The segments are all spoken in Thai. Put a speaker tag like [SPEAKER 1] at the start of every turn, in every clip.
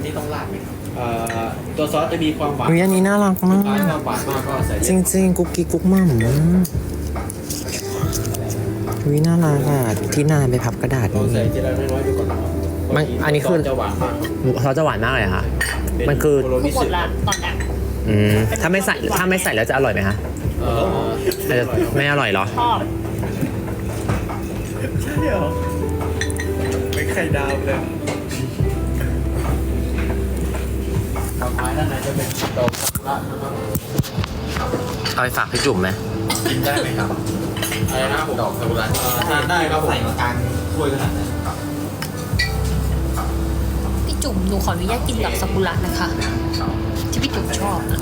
[SPEAKER 1] นี่ต้องราดไหมครับตัวซอสจะมีความหวาน
[SPEAKER 2] อุ๊ยอันนี้น่ารักมาก
[SPEAKER 1] หวานมากก็ใส่
[SPEAKER 2] จริงๆกุ๊กกิ๊กกุ๊กมั่มวิน่ารักอ่ะที่นายไปพับกระดาษ
[SPEAKER 1] ลองใส่
[SPEAKER 2] นี่
[SPEAKER 1] ทีละน้อยๆดูก่อนนะครับ
[SPEAKER 2] มันอันนี้คือ
[SPEAKER 1] จะหวานมาก
[SPEAKER 2] เขาจะหวานมากเลยค่ะ มันคือ
[SPEAKER 1] โโรนิ
[SPEAKER 3] หม
[SPEAKER 1] สึ
[SPEAKER 3] ดละตอนนี้
[SPEAKER 2] ถ้าไม่ใส่แล้วจะอร่อยไหมคะ อาจจะไม่อร่อยเหรอ
[SPEAKER 3] ชอบ
[SPEAKER 1] ใช่เหรอไม่ไข่ดาวเลยต่อไปด้านในจะเป็นดอกซากุระนะครับ
[SPEAKER 2] เอาไปฝากพี่จุ๋มไหม
[SPEAKER 1] กินได้ไหมครับอะไรนะผมดอกซากุระทานได้ครับผมใส่มากลางถ้วยขนาดนั้น
[SPEAKER 3] พี่จุ๋มหนูขออนุญาตกินดอกซากุระนะคะ ที่พี่จุ๋มชอบนะ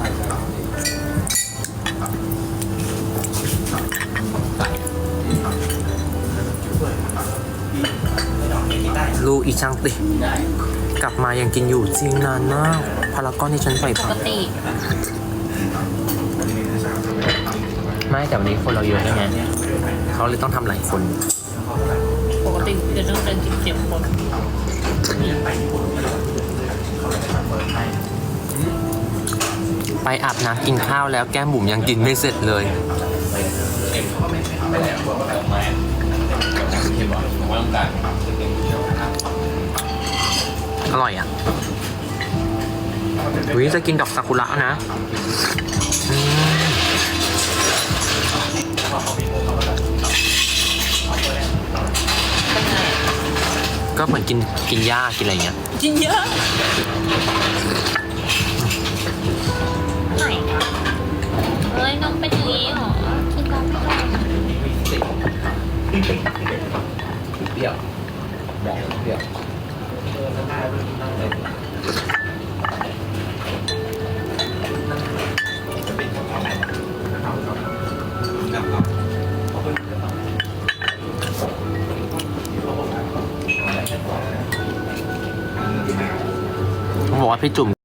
[SPEAKER 2] ลูกอีช่างติกลับมายังกินอยู่จริงนานมากพารากอนที่ฉันใส่
[SPEAKER 3] ป
[SPEAKER 2] ผั
[SPEAKER 3] ก
[SPEAKER 2] ก
[SPEAKER 3] ติ
[SPEAKER 2] ไม่แต่วันนี้คนเราเยอะไงเขาเลยต้องทำหลายคน
[SPEAKER 3] ปกติจะต้องเดินกินเสียงคน
[SPEAKER 2] ไปอาบน้ำกินข้าวแล้วแก้มบุ๋มยังกินไม่เสร็จเลย อร่อยอ่ะวิจะกินดอกซากุระนะอืมก็เหมือนกินหญ้ากินอะไรเงี้ย
[SPEAKER 3] กินเยอะไหนเอ้ยน้องเป็นอย่างนี้เหรอกินน้องไม่ได้
[SPEAKER 1] เปรี้ยวบอกเปรี้ยว
[SPEAKER 2] เขาบอกว่าพี่จุ๋ม